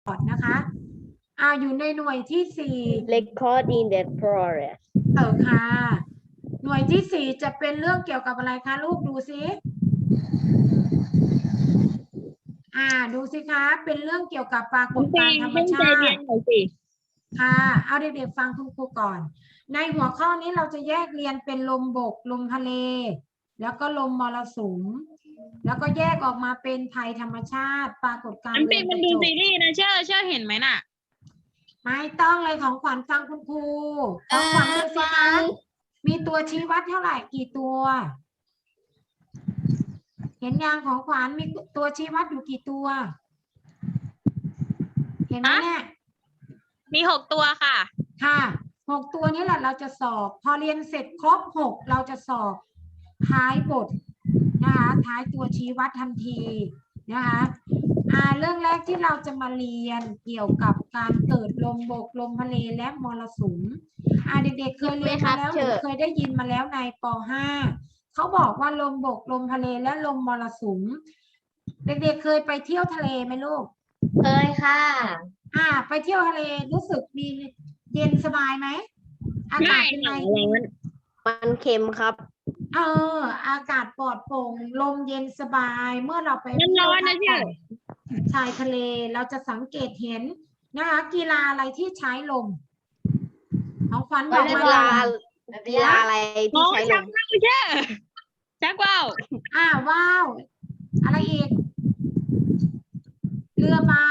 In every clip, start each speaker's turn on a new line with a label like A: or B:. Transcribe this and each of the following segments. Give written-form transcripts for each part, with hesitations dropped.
A: ก่อนนะคะอยู่ในหน่วยที่สี่
B: record in the progress
A: ค่ะ หน่วยที่สี่จะเป็นเรื่องเกี่ยวกับอะไรคะลูกดูซิดูสิคะเป็นเรื่องเกี่ยวกับปรากฏการณ์ธรรมชาติค่ะเอาเด็กๆฟังคุณครูก่อนในหัวข้อนี้เราจะแยกเรียนเป็นลมบกลมทะเลแล้วก็ลมมรสุมแล้วก็แยกออกมาเป็นภัยธรรมชาติปรากฏการณ์
C: น้ำปิงมันดูซีรีส์นะเชื่อเห็นไหมน่ะ
A: ไม่ต้องเลยของขวัญฟังคุณครูของขวัญดูสิคะมีตัวชี้วัดเท่าไหร่กี่ตัว เห็นยังของขวัญมีตัวชี้วัดอยู่กี่ตัว เห็นไหมเนี่ย
C: มี6 ตัวค่ะ
A: ค่ะ6 ตัวนี้แหละเราจะสอบ พอเรียนเสร็จครบ6เราจะสอบท้ายบทนะคะท้ายตัวชี้วัดทันทีนะคะเรื่องแรกที่เราจะมาเรียนเกี่ยวกับการเกิดลมบกลมทะเลและมรสุมเด็กๆเคยเรียนมาแล้วหรือเคยได้ยินมาแล้วในป .5 เขาบอกว่าลมบกลมทะเลและลมมรสุมเด็กๆเคยไปเที่ยวทะเลไหมลูก
B: เคยค่ะ
A: ไปเที่ยวทะเลรู้สึกมีเย็นสบายไหมอากาศเป็นไง
B: มันเค็มครับ
A: อากาศปลอดโปร่งลมเย็นสบายเมื่อเราไป
C: ร้อนนะเนี่ย
A: ชายทะเลเราจะสังเกตเห็นนะคะกีฬาอะไรที่ใช้ลมของขวัญบอกมา
B: กีฬาอะไรที่ใช้ลม
C: ชักว่าว
A: ว้าวอะไรอีกเรือใบ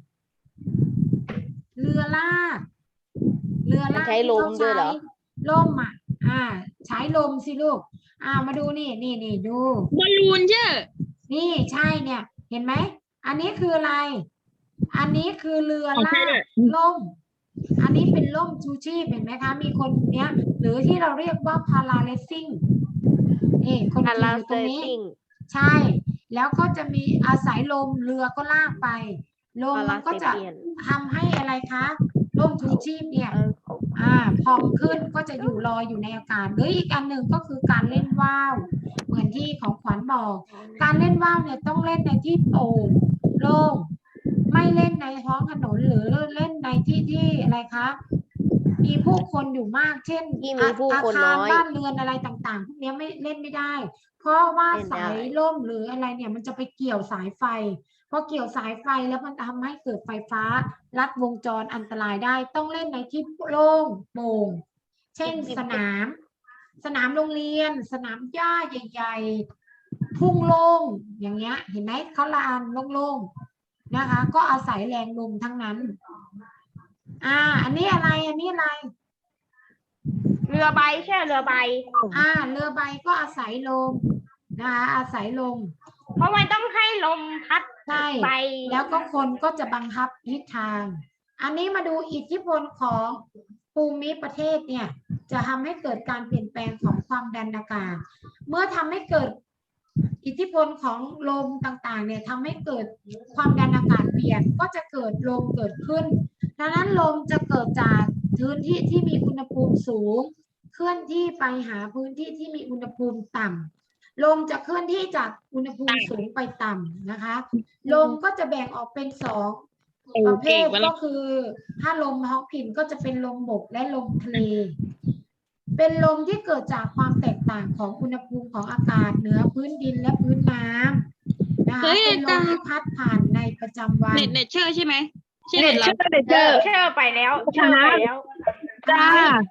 A: เรือลาก
B: ใช้ลมด้วยเหรอ
A: ลมใช้ลมสิลูกมาดูนี่ดู
C: บอลลูนเชื่อ
A: นี่ใช่เนี่ยเห็นไหมอันนี้คืออะไรอันนี้คือเรือลากล่มอันนี้เป็นล่มชูชีพเห็นไหมคะมีคนเนี้ยหรือที่เราเรียกว่าพาราเลสซิ่งนี่คนขี่อยู่ตรงนี้ใช่แล้วก็จะมีอาศัยลมเรือก็ลากไปลมมันก็จะทำให้อะไรคะร่มชูชีพเนี่ยพองขึ้นก็จะอยู่ลอยอยู่ในอากาศหรืออีกอันหนึ่งก็คือการเล่นว่าวเหมือนที่ของขวัญบอกการเล่นว่าวเนี่ยต้องเล่นในที่โปร่งโล่งไม่เล่นในท้องถนนหรือเล่นในที่อะไรคะมีผู้คนอยู่มากเช่นอาคารบ้านเรือนอะไรต่างๆพวกนี้ไม่เล่นไม่ได้เพราะว่าสายล่มหรืออะไรเนี่ยมันจะไปเกี่ยวสายไฟพอเกี่ยวสายไฟแล้วมันทำให้เกิดไฟฟ้าลัดวงจรอันตรายได้ต้องเล่นในที่โล่งโปร่งเช่นสนามโรงเรียนสนามหญ้าใหญ่ๆทุ่งโล่งอย่างเงี้ยเห็นไหมเขาลานโล่งๆนะคะก็อาศัยแรงลมทั้งนั้นอันนี้อะไร
B: เรือใบใช่เรือใบ
A: เรือใบก็อาศัยลมนะคะอาศัยลม
B: เพราะมันต้องให้ลมพัด
A: ไปแล้วก็คนก็จะบังคับทิศทางอันนี้มาดูอิทธิพลของภูมิประเทศเนี่ยจะทำให้เกิดการเปลี่ยนแปลงของความดันอากาศเมื่อทำให้เกิดอิทธิพลของลมต่างๆเนี่ยทำให้เกิดความดันอากาศเปลี่ยนก็จะเกิดลมเกิดขึ้นดังนั้นลมจะเกิดจากพื้นที่ที่มีอุณหภูมิสูงเคลื่อนที่ไปหาพื้นที่ที่มีอุณหภูมิต่ำลมจะเคลื่อนที่จากอุณหภูมิสูงไปต่ำนะคะลมก็จะแบ่งออกเป็น2ประเภทก็คือถ้าลมฮอกกินก็จะเป็นลมบกและลมทะเลเป็นลมที่เกิดจากความแตกต่างของอุณหภูมิของอากาศเหนือพื้นดินและพื้นน้ำนะคะเป็นลมที่พัดผ่านในประจำวัน
C: เน็ตเชื่อใช่ไหม
B: เชื่อไปแล้ว
C: จ้า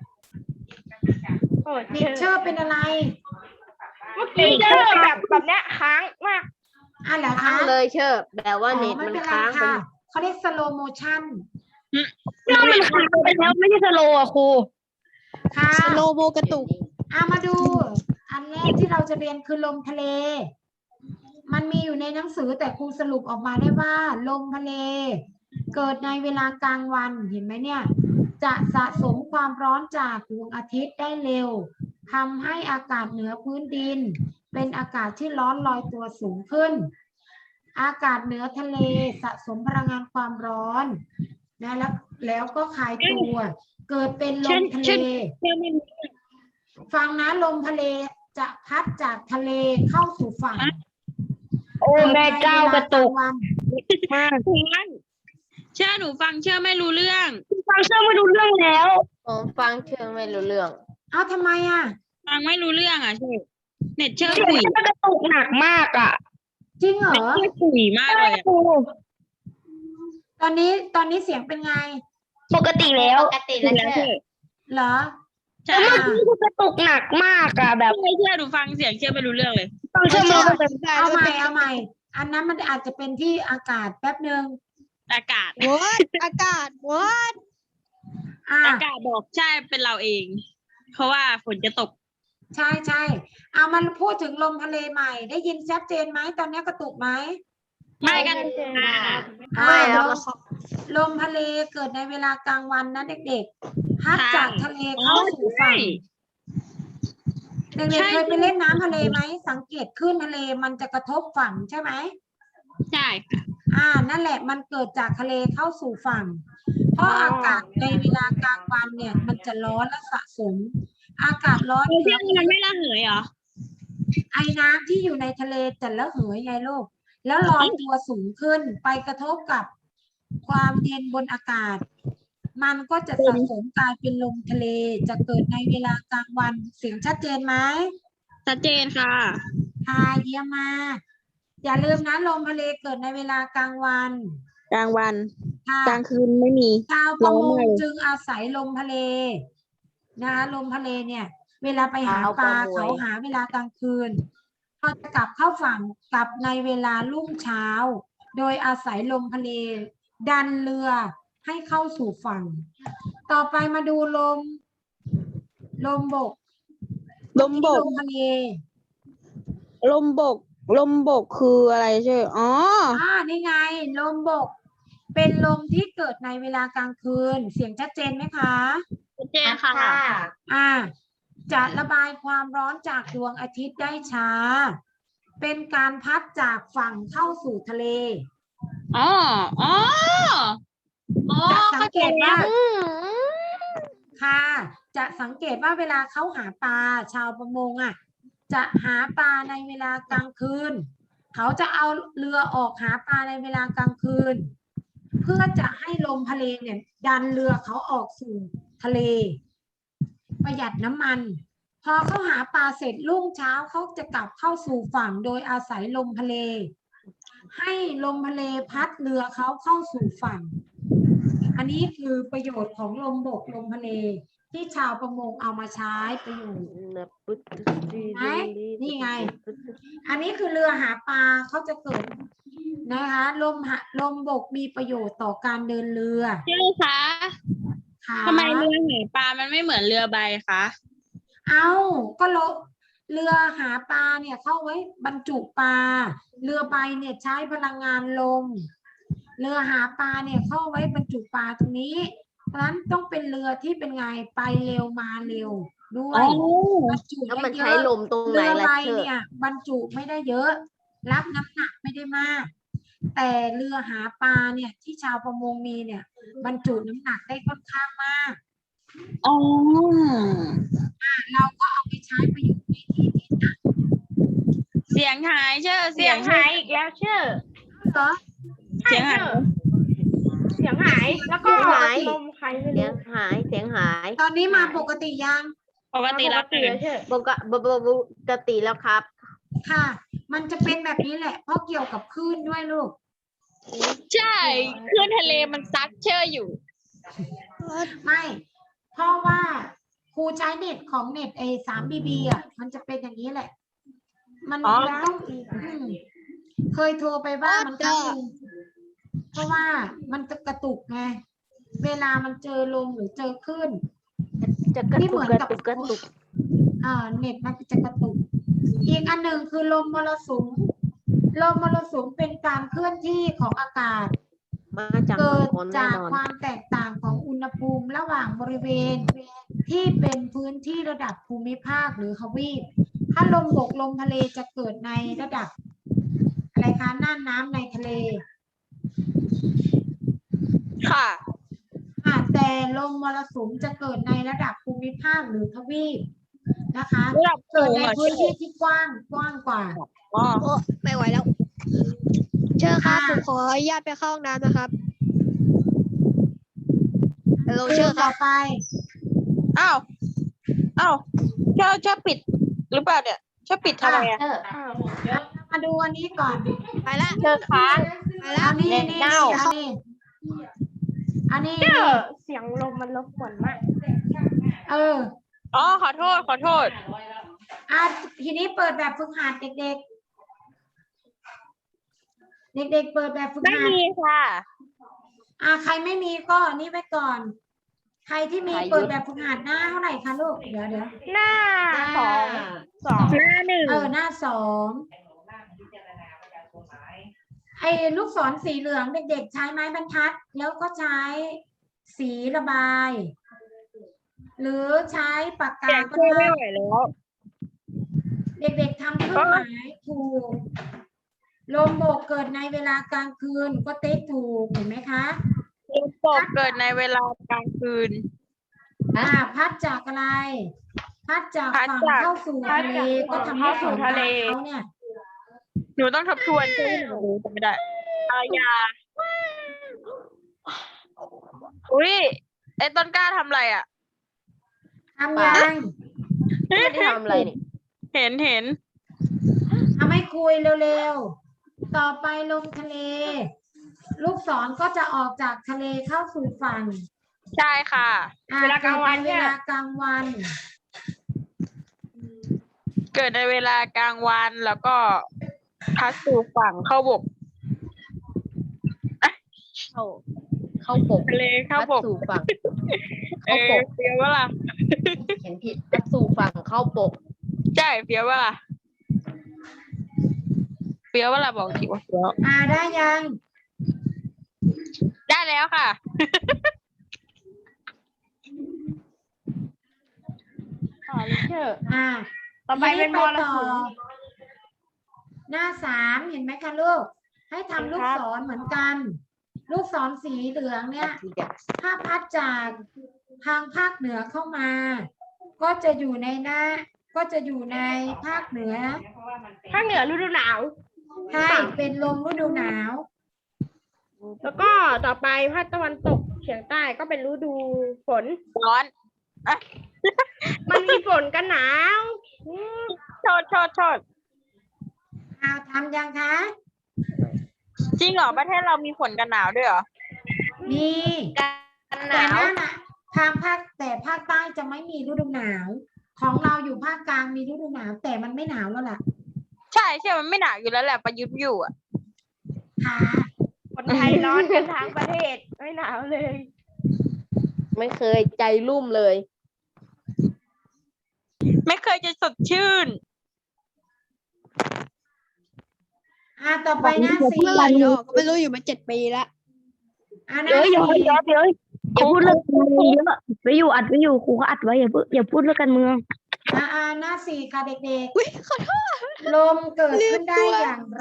A: เชื่อเป็นอะไร
B: เมื่อกี้เชื่อแบบเนี้ยค้างมาก
A: เหรอคะ
B: เลยเชื่อแบบว่าเน็ตมันค้าง
A: ค่ะเขาเรียก slow motion
C: มันค้างไปแล้วไม่ใช่สโลว์ครู
A: ค่ะ
B: สโลโมกระตุก
A: มาดูอันแรกที่เราจะเรียนคือลมทะเลมันมีอยู่ในหนังสือแต่ครูสรุปออกมาได้ว่าลมทะเลเกิดในเวลากลางวันเห็นไหมเนี่ยจะสะสมความร้อนจากดวงอาทิตย์ได้เร็วทำให้อากาศเหนือพื้นดินเป็นอากาศที่ร้อนลอยตัวสูงขึ้นอากาศเหนือทะเลสะสมพลังงานความร้อนนะแล้วก็คลายตัวเกิดเป็นลมทะเลฟังนะลมทะเลจะพัดจากทะเลเข้าสู่ฝั่ง
B: โอ้แม่เจ้ากระตุก
C: มาก
D: เชื่อหนูฟังเชื่อไม่รู้เรื่อง
C: ฟังเชื่อไม่รู้เรื่องแล้ว
B: ผมฟังเชื่อไม่รู้เรื่อง
A: เอาทำไมอ่ะ
D: ฟังไม่รู้เรื่องอ่ะเชื่อเน็ตเชื่อ
C: เสียง
D: คุย
C: มันกระตุกหนักมากอ่ะ
A: จริงเหรอ
D: เชื่อคุยมากเลยอะ
C: ครู
A: ตอนนี้เสียงเป็นไง
C: ปกติแล้ว
B: ปกติแล้ว
D: แล้ว
B: เชื่อ
D: เชื่อ
A: เหรอ
D: ใช่
C: แล้วเมื่อกี้คือกระตุกหนักมากอ่ะแบบ
D: ไม่เชื่อหนูฟังเสียงเชื่อไม่รู้เรื่องเลย
C: ฟังเชื่อไม่รู้เรื่อง
A: เอาใหม่ อันนั้นมันอาจจะเป็นที่อากาศแป๊บหนึ่ง
D: อากาศ
C: อากาศวัด
A: อ่า
D: อากาศบอกใช่เป็นเราเอง เพราะว่าฝนจะตก
A: ใช่เอามันพูดถึงลมทะเลใหม่ ได้ยินชัดเจนไหมตอนนี้กระตุกไหม
D: ไม่กันค่ะ
B: ไม่แล้ว
A: ลมทะเลเกิดในเวลากลางวันนะเด็กๆพัดจากทะเลเข้าสู่ฝั่งเด็กๆเคยไปเล่นน้ำทะเลไหมสังเกตคลื่นทะเลมันจะกระทบฝั่งใช่ไหม
D: ใช่ค่ะ
A: นั่นแหละมันเกิดจากทะเลเข้าสู่ฝั่ง เพราะอากาศในเวลากลางวันเนี่ย มันจะร้อนและสะสม อากาศร้อน
D: เชื่อมันไม่ระเหยเหรอ
A: ไอ้น้ำที่อยู่ในทะเลจะระเหยไงลูกแล้วลอยตัวสูงขึ้นไปกระทบกับความเย็นบนอากาศ มันก็จะสะสมกลายเป็นลมทะเลจะเกิดในเวลากลางวันเสียงชัดเจนไหม
D: ชัดเจนค่ะ
A: ค่ะเยี่ยมมากอย่าลืมนะลมทะเลเกิดในเวลากลางวัน
D: กลางวัน
A: ค่ะ
D: กลางคืนไม่มี
A: ชาวประม
D: ร้อน
A: ง
D: มากเลย
A: จึงอาศัยลมทะเลนะคะลมทะเลเนี่ย เวลาไปหาปลาเขาหาเวลากลางคืนเขาจะกลับเข้าฝั่งกลับในเวลารุ่งเช้า โดยอาศัยลมทะเลดันเรือให้เข้าสู่ฝั่ง ต่อไปมาดูลมบก
D: ลมบก
A: ลมทะเล
D: ลมบก ลมบกคืออะไรใช่อ๋อ
A: นี่ไง ลมบก เป็นลมที่เกิดในเวลากลางคืน เสียงชัดเจนไหมคะ
D: ชัดเจนค่ะ
A: จะระบายความร้อนจากดวงอาทิตย์ได้ช้า เป็นการพัดจากฝั่งเข้าสู่ทะเล
D: อ๋อ อ๋อ อ๋อ
A: จะสังเกตว่า
D: ข้ใจแล้ว
A: ค่ะ จะสังเกตว่าเวลาเขาหาปลาชาวประมงจะหาปลาในเวลากลางคืน เขาจะเอาเรือออกหาปลาในเวลากลางคืน เพื่อจะให้ลมทะเลเนี่ยดันเรือเขาออกสู่ทะเล ประหยัดน้ำมัน พอเขาหาปลาเสร็จรุ่งเช้าเขาจะกลับเข้าสู่ฝั่งโดยอาศัยลมทะเล ให้ลมทะเลพัดเรือเขาเข้าสู่ฝั่ง อันนี้คือประโยชน์ของลมบกลมทะเลที่ชาวประมงเอามาใช้ประโยชน์ ไหมนี่ไง อันนี้คือเรือหาปลาเขาจะเกิดนะคะลมบกมีประโยชน์ต่อการเดินเรือ
D: ใช่คะ
A: ค่ะ
D: ทำไมเรือหาปลามันไม่เหมือนเรือใบคะ
A: เอาก็เรือหาปลาเนี่ยเข้าไว้บรรจุปลาเรือใบเนี่ยใช้พลังงานลมเรือหาปลาเนี่ยเข้าไว้บรรจุปลาตรงนี้เพราะฉะนั้นต้องเป็นเรือที่เป็นไงไปเร็วมาเร็วด้ว
D: อ๋
A: ย
D: อ
A: บรรจุ
B: แล้ว
A: ได้
B: มัน
A: เย
B: ใช้
A: อะ
B: ลมตรงไหน
A: เรือ
B: ล่ะ
A: ใบ
B: เชื่อ
A: เนี่ยบรรจุไม่ได้เยอะ รับน้ำหนักไม่ได้มาก แต่เรือหาปลาเนี่ยที่ชาวประมงมีเนี่ย บรรจุน้ำหนักได้ค่อนข้างมาก
D: อ๋อ
A: เราก็เอาไปใช้ประโยชน์ในที่ที่ต่าง
D: เสียงหายเชื่อ
B: เสียงหายอีกแล้วเชื่อ
A: ๆเหรอ
D: เสียงหาย
B: เสียงหาย แล้วก็ลมใครไม่รู้เสียงหาย
A: ตอนนี้มาปกติยัง
D: ปกติแล้วตื่น
B: ปกติแล้วครับ
A: ค่ะ มันจะเป็นแบบนี้แหละ เพราะเกี่ยวกับคลื่นด้วยลูก
D: ใช่คลื่นทะเลมันซัดเชื่ออยู่
A: ไม่ เพราะว่าครูใช้เน็ตของเน็ต3BB มันจะเป็นอย่างนี้แหละ มัน
D: อ๋อ
A: ต้องเคยโทรไปบ้างมันครั้งหนึงเพราะว่ามันจะกระตุกไง เวลามันเจอลมหรือเจอคลื่น
B: จะกระ
A: นี่
B: ตุ
A: เห
B: ก
A: มือน
B: กระ
A: กับ
B: ตุกกระตุก
A: เน็ตมันจะกระตุก อีกอันหนึ่งคือลมมรสุม ลมมรสุมเป็นการเคลื่อนที่ของอากาศ
B: มาจาก
A: เกิด
B: คนแน่
A: จาก
B: นอน
A: ความแตกต่างของอุณหภูมิระหว่างบริเวณ ที่เป็นพื้นที่ระดับภูมิภาคหรือทวีป ถ้าลมบกลมทะเลจะเกิดในระดับอะไรคะน่านน้ำในทะเล
D: ค่ะ
A: แต่ลมมรสุมจะเกิดในระดับภูมิภาคหรือทวีปนะคะ
D: ระดับ
A: เกิดใน
D: สูงเหรอ
A: พื้นที่ที่กว้างกว่า
D: อ๋อ
C: ไม่ไหวแล้ว เชิญครับ
A: ค่ะ
C: ผมขออนุญาตไปเข้าห้องน้ำนะครับ
B: โร
A: คื
B: เชอน ร์ค
A: ต่
B: รั
A: อบ ไป
D: อ้าวชอบปิดหรือเปล่าเนี่ยชอบปิดทำไมอ่ะ
A: มาดูอันนี้ก่อน
B: ไปละ
D: เชิญค้าง
B: ไปละ
A: อันนี้
B: เน็ต
A: นี่
B: เน่า
A: อันนี้
B: เสียงลมมันรบกวนมาก
A: เออ
D: อ๋อขอโทษ
A: ทีนี้เปิดแบบฝึกหัดเด็กๆ เด็กๆ เปิดแบบฝึก
D: ไม่
A: หัด
D: มีค่ะ
A: ใครไม่มีก็นี่ไว้ก่อน ใครที่มีเปิดแบบฝึกหัดหน้าเท่าไหร่คะลูก เดี๋ยว
B: หน้าสอง
D: หน้าหนึ่ง
A: หน้า 2 ไอ้ลูกศรสีเหลืองเด็กๆ ใช้ไม้บรรทัด แล้วก็ใช้สีระบาย หรือใช้ปากกา
D: เสียง
A: ก็
D: ช่วย
A: ได้
D: ไม่ไหวแล้ว
A: เด็กๆทำเครื่องหมายถูก ลมโบกเกิดในเวลากลางคืนก็ติ๊กถูกเห็นไหมคะ
D: ลมตกเกิดในเวลากลางคืน
A: พัดจากอะไร พัดจาก
D: พัด
A: ฝั่ง
D: จาก
A: เข้าสู่ทะเลก็ทำให้ฝั่งทะเลเขาเนี่ย
D: หนูต้องทบทวนใช่ไหมหนูจำไม่ได้อายาอุ้ยไอ้ต้นกล้าทำอะไรอ่ะ
A: ทำยัง
B: ไม่ได้ทำอะไรนี่
D: เห็น
A: ทำให้คุยเร็วๆ ต่อไปลงทะเล ลูกศรก็จะออกจากทะเลเข้าสู่ฝั่ง
D: ใช่ค่ะ
B: เวลากลางวัน
A: เว
B: เนี่ย
A: ลากลางวัน
D: เกิดในเวลากลางวันแล้วก็พัดสู่ฝั่งเข้าบก
B: เข้าปก
D: ทะเลเข้าบก
B: สู่ฝั่ง
D: เออเฟี้ยวว่าล่ะ
B: เห็นผิดพัดสู่ฝั่งเข้าปก
D: ใช่เฟี้ยวว่าล่ะเฟี้ยวว่าล่ะบอกทีว่าเฟี้ยว
A: ได้ยัง
D: ได้แล้วค่ะ
B: เชื่อ
A: ต่อไปเป็นมร
B: ต่อ
A: สุมหน้า 3 เห็นไหมคะลูก ให้ทำลูกศรเหมือนกัน ลูกศรสีเหลืองเนี่ย ถ้าพัดจากทางภาคเหนือเข้ามา ก็จะอยู่ในภาคเหนือ
B: ภาคเหนือฤดูหนาว
A: ใช่เป็นลมฤดูหนาว
B: แล้วก็ต่อไปภาคตะวันตกเฉียงใต้ก็เป็นฤดูฝน
D: ร้อน
B: มันมีฝนกันหนาว
D: โทษ
A: ทำยังคะ
D: จริงเหรอประเทศเรามีฝนกันหนาวด้วยเหรอ
A: มี
B: กันห
A: แต่
B: นาว
A: นั่นน่ะแต่ภาคใต้จะไม่มีฤดูหนาว ของเราอยู่ภาคกลางมีฤดูหนาว แต่มันไม่หนาวแล้วล่ะ
D: ใช่มันไม่หนาวอยู่แล้วแหละประยุทธ์อยู่อ่ะ
A: ค่ะ
B: คนไทยร้อนกันทั้งประเทศไม่หนาวเลย ไม่เคยใจรุ่มเลย
D: ไม่เคยจะสดชื่น
A: ต่อไปหน้า 4
C: เมื่อไหร่จะออกก็ไม่รู้อยู่มา7 ปีแล้ว
A: หน้า
C: เดี๋ยว
A: 4
C: อย่าพูดเรื่องการเมืองเยอะไว้อยู่อัดไว้อยู่ครูก็อัดไว้อย่าพูดเรื่องการเมือง
A: หน้า 4 ค่ะเด็กๆ ลมเกิดขึ้นได้อย่างไร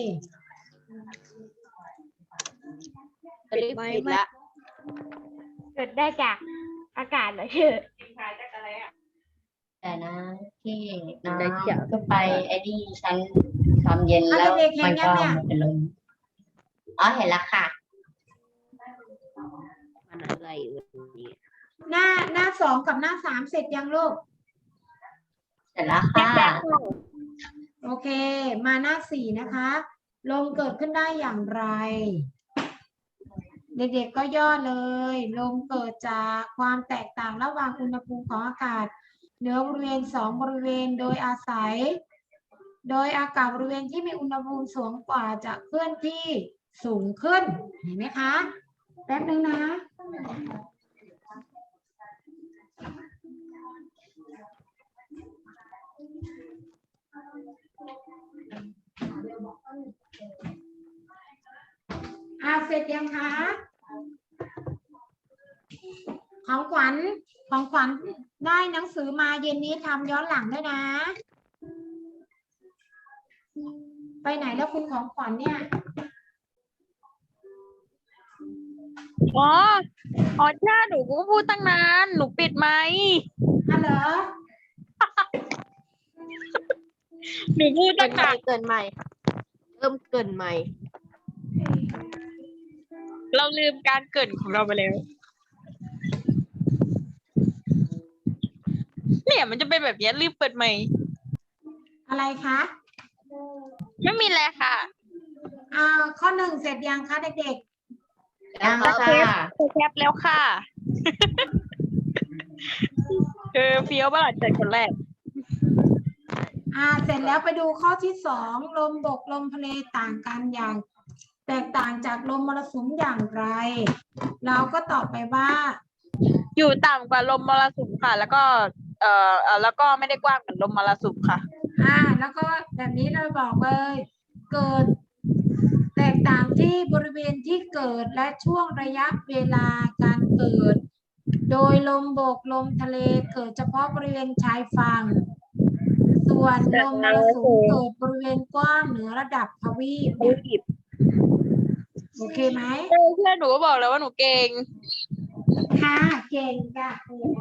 B: ปิดละเกิดได้จากอากาศเหรอเชื่อ
E: แต่นะที่น้ำก็ไปไอ้นี่ชั้นความเย็นแล้ว
A: เด็กๆเห็
E: มัน น
A: ยั
E: ก็
A: งเนี่ย
E: มันเป็นลมอ๋อเห็นแล้วค่ะ
B: มันอะไรวันนี้
A: หน้า 2 กับหน้า 3 เสร็จยังลูก
E: เสร็จแล้วค่ะ
A: โอเค มาหน้า 4 นะคะ ลมเกิดขึ้นได้อย่างไร เด็กๆก็ย่อเลย ลมเกิดจากความแตกต่างระหว่างอุณหภูมิของอากาศเหนือบริเวณ2 บริเวณโดยอากาศบริเวณที่มีอุณหภูมิสูงกว่าจะเคลื่อนที่สูงขึ้น เห็นไหมคะ แป๊บนึงนะ เสร็จยังคะ ของขวัญได้หนังสือมาเย็นนี้ทำย้อนหลังด้วยนะ ไปไหนแล้วคุณของขวัญเนี่ย
D: อ๋อใช่หนูก็พูดตั้งนานหนูปิดไหมค์
A: เหรอ
D: หนูพูด
B: เกิ
D: ตั้
B: น
D: ง
B: ใหม่
D: นาน
B: เกินใหม่เริ่มเกินใหม่
D: เราลืมการเกรินของเราไปแล้วเนี่ยมันจะเป็นแบบนี้รีบเปิดใหม่
A: อะไรคะ
D: ไม่มีอะไรค่ะ
A: ข้อหนึ่งเสร็จยังคะเด็ก
E: ยัง
D: โอเค
E: ค่ะ
D: แคปแล้วค่ะ เฟี้ยวบ้าจัดคนแรก
A: ๆเสร็จแล้วไปดูข้อที่สองลมบกลมทะเลต่างกันอย่าง แตกต่างจากลมมรสุมอย่างไร เราก็ตอบไปว่า
D: อยู่ต่ำกว่าลมมรสุมค่ะ แล้วก็แล้วก็ไม่ได้กว้างเหมือนลมมรสุมค่ะ
A: แล้วก็แบบนี้เราบอกเลย เกิด แตกต่างที่บริเวณที่เกิดและช่วงระยะเวลาการเกิด โดยลมบกลมทะเลเกิดเฉพาะบริเวณชายฝั่ง ส่วนลมมรสุมเกิดบริเวณกว้างเหนือระดับทวีปเนี่ยโอเคไหม
D: เพื่อนหนูก็บอกแล้วว่าหนูเก่ง
A: ค่ะ เก่งค่ะ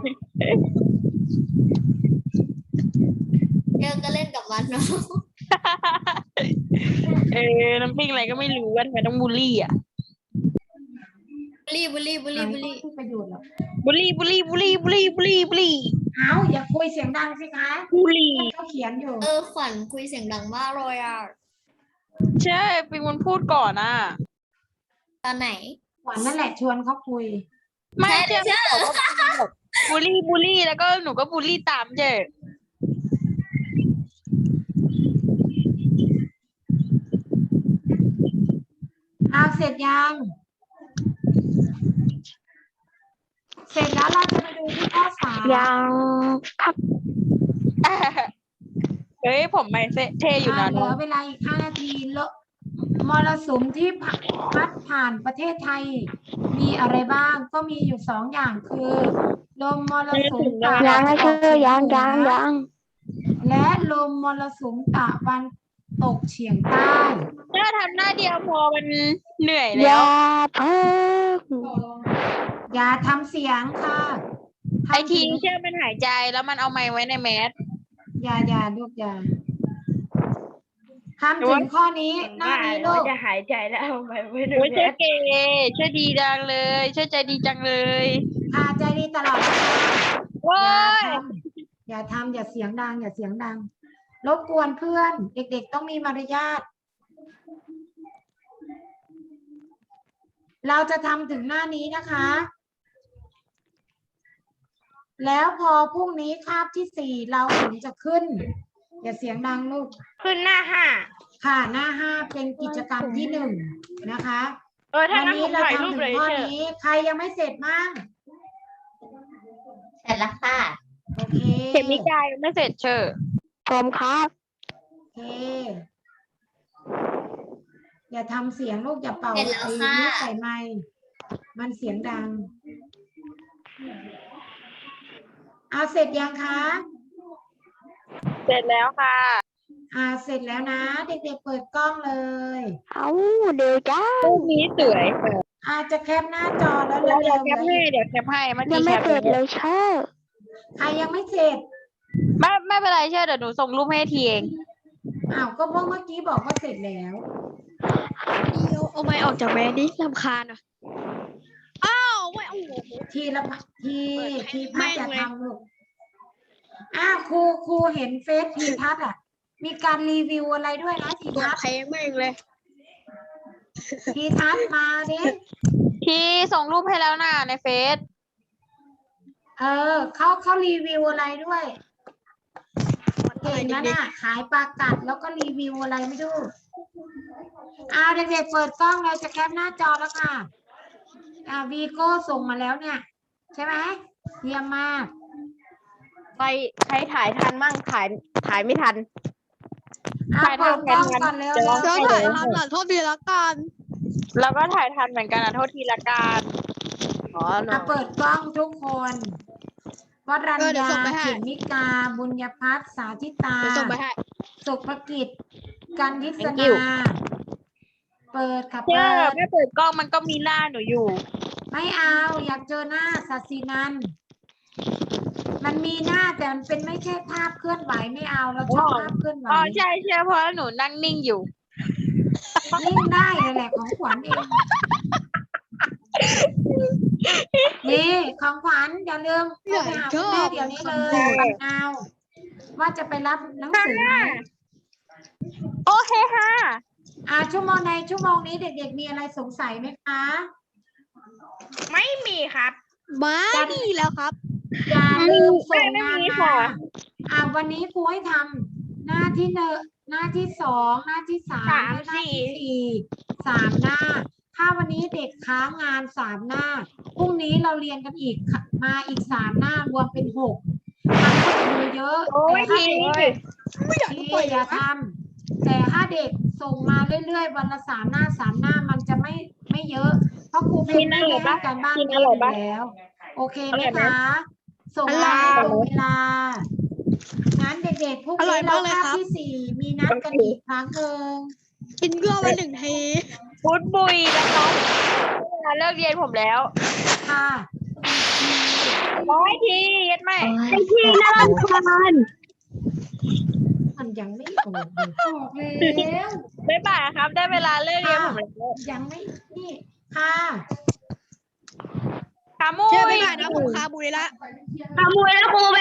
E: เจอก็เล่นกับมันเนาะ
D: น้ำปิ้งอะไรก็ไม่รู้ว่าทำไมต้องบูลลี่อ่ะ
E: บุลี่บุลี่บุลี่บุลี่
A: ไม่มีประโยชน์หรอก
D: บูลลี่บูลลี่บูลลี่บูลลี่บูลลี่บูลลี่
A: อย่าคุยเสียงดังสิคะ
D: บูลลี่
A: เขาเขียนอยู่
E: ขวัญคุยเสียงดังมากเลยอ่ะ
D: ใช่ปิงมันพูดก่อนอ่ะ
E: ตอนไหน
A: ขวัญนั่นแหละชวนเขาคุย
D: ไม่
E: ใช่
D: ใช่บูลลี่บูลลี่แล้วก็หนูก็บูลลี่ตามเจ๊
A: เสร็จยัง เสร็จแล้วเราจะไปดูที่ข้อสาม
C: ยังครับ
D: เฮ้ยผมไม่เท่อยู่นะ
A: เหลื
D: น้อ
A: อง เวลาอีก5 นาทีมรสุมที่พัดผ่านประเทศไทย มีอะไรบ้าง ก็มีอยู่2 อย่างคือ ลมมรสุมตะ
C: ยั
A: วั
C: ง
A: น
C: นะ
A: อ
C: เธ
A: อก
C: อ
A: เฉีย
C: ยัง
A: งเหนื
C: ยัง
A: อ
C: ยัง
A: และลมมรสุมตะวันตกเฉียงใต้
D: ถ้าทำหน้าเดียวพอมันเหนื่อย
C: อ
D: แล้
C: ย่าว เพิ่ง
A: อย่าทำเสียงค่ะ
D: ไอทีเชื่อมันหายใจแล้วมันเอาไม้ไว้ในแมส
A: อย่าลูกอย่าทำถึงข้อนี้หน้านี้ลูก
B: จะหายใจแล้วเอาไปไม่ดู
D: โอ้ย
B: แล
D: เชื่อเก๋เชื่อดีจังเลยเชื่อใจดีจังเลย
A: ใจดีตลอดนะคะ
D: โว้ย
A: อย่าทำอย่าเสียงดัง อย่าเสียงดัง รบกวนเพื่อน เด็กๆต้องมีมารยาท เราจะทำถึงหน้านี้นะคะ แล้วพอพรุ่งนี้คาบที่ 4เราถึงจะขึ้น อย่าเสียงดังลูก
B: ขึ้นหน้าห้า
A: ค่ะหน้า 5เป็นกิจกรรมที่ 1นะคะ
B: ถ้า
A: วัน
B: งั้นผ
A: นี้
B: ม
A: เรา
B: ถ่ายรูป
A: ทำถึ
B: เล
A: ง
B: ย
A: ข้อ
B: เชื่อ
A: นี้ ใครยังไม่เสร็จมั่ง
E: เสร็จแล้วค่ะ
A: โอเค
D: เข็มนิกายไม่เสร็จเชื่อ
C: ผมครับ
A: โอเค อย่าทำเสียงลูกอย่าเป่า
E: เสร็จแล้ว
A: ไอ้
E: ค่ะ
A: นี่ใส่ไมค์มันเสียงดัง เสร็จยังคะ
D: เสร็จแล้วค่ะ
A: เสร็จแล้วนะ เด็กๆเปิดกล้องเลย
C: เอาเดี๋ยวจ้า
D: รูปนี้สวยค่ะ
A: จะแคปหน้าจอแล้ว
D: เดี๋ยว
A: เร็ว
D: แคปให้เดี๋ยวแคปให้เมื่อ
C: ยั
D: กี้
C: ง
D: แค
C: ไม่
D: ป
C: เสร็จเลยเชอร์
A: ใครยังไม่เสร็จ
D: ไม่เป็นไรเชื่อเดี๋ยวหนูส่งรูปให้ทีเอง
A: ก็เพราะเมื่อกี้บอกว่าเสร็จแล้ว
B: เอาไม้ออกจากแม่ดิรำคาญอ่ะอ้าวไม่เอาหัว
A: ทีละทีพัด
B: แม่ง
A: จะ
B: เลย
A: ทำลูกครูเห็นเฟซทีทัศน์มีการรีวิวอะไรด้วยนะทีทัศน์
B: เพลงแม่งเลย
A: ทีทัศน์มาดิ
D: ทีส่งรูปให้แล้วนะในเฟซ
A: เขารีวิวอะไรด้วยเก่งนะน่ะขายปลากัดแล้วก็รีวิวอะไรไม่รู้เด็กๆเปิดกล้องเราจะแคปหน้าจอแล้วค่ะวีโก้ส่งมาแล้วเนี่ย ใช่ไหมเยี่ยมมาก
B: ใครถ่ายทันมั่งถ่ายไม่ทัน
A: เปิดกล้องก่อนเร็ว
D: จะร้อง
A: ๆ
D: ไห้เลย
B: โทษดีละกัน
D: แล้วก็ถ่ายทันเหมือนกันนะโทษทีละกัน
A: เปิดกล้องทุกคนวรัญ
B: เดี๋ยว
A: ญา
B: ส่งไปให้
A: เขมิกา บุญญพัฒน์สาธิตา
B: ส่งไปให้
A: สุภกิจ กันทิศ
D: Thank
A: นา
D: you
A: เปิดค่ะ
D: เชื่
A: เปิ
D: อ
A: ด
D: ไม่เปิดกล้องมันก็มีหน้าหนูอยู่
A: ไม่เอาอยากเจอหน้าสัสินัน มันมีหน้าแต่มันเป็นไม่ใช่ภาพเคลื่อนไหวไม่เอาเราชอบภาพเคลื่อนไหว
D: อ๋อใช่เชื่อเพราะหนูนั่งนิ่งอยู่
A: นิ่งได้เลยแหละของขวัญเอง นี่นี่ของขวัญอย่าลืมโทรไปหาคุณแม่เดี๋ยวนี้เลยเอาว่าจะไปรับหนังสือไหม
D: โอเคค่ะ
A: ชั่วโมงในชั่วโมงนี้เด็กๆมีอะไรสงสัยไหมคะ
B: ไม่มีครับ
F: ไม่ดีแล้วครับ
A: อย่าลืมส่ง
B: ไม่
A: งาน
B: มี
A: มา
B: ค่ะ
A: วันนี้ครูให้ทำหน้าที่หนึ่งหน้าที่สองหน้าที่สามและหน้าที่สี่3 หน้า ถ้าวันนี้เด็กค้างงาน3 หน้าพรุ่งนี้เราเรียนกันอีกมาอีก3 หน้ารวมเป็น6ทำให้มือเยอะ
B: โอ้ย
A: แต่
B: ที
A: ถ้าเด็กอย่าทำแต่ถ้าเด็กส่งมาเรื่อยๆวันละ3 หน้า3 หน้ามันจะไม่เยอะเพราะครูเป็นไม่ได้ให้การบ้านเยอะอยู่แล้ว โอเคไหมคะ ส่งมาให้ตรงเวลา งั้นเด็กๆพวก
F: อร่
A: นี้
F: อย
A: เรา
F: มากเลย
A: คาบ
F: ครับ
A: ที่4มีนัดกันอีกครั้งหนึ่ง
F: กินเกลือมา1 ที
D: พุดบุยน้องๆเวลาเลิกเรียนผมแล้ว
A: ค่ะ
D: 100 ทีเย็ดไหม
C: ไอ้ที่น่ารำคาญ
A: มันยังไม่ออกเลยออกแล้ว
D: บ๊ายบายครับ ได้เวลาเลิกเรียนผมแล้ว
A: ยังไม่นี่ค่ะ
D: ขามุ้
F: เชื่อไป
D: ย
F: บ่ายนะผมคาบุยละ
C: ขโมยแล้วครู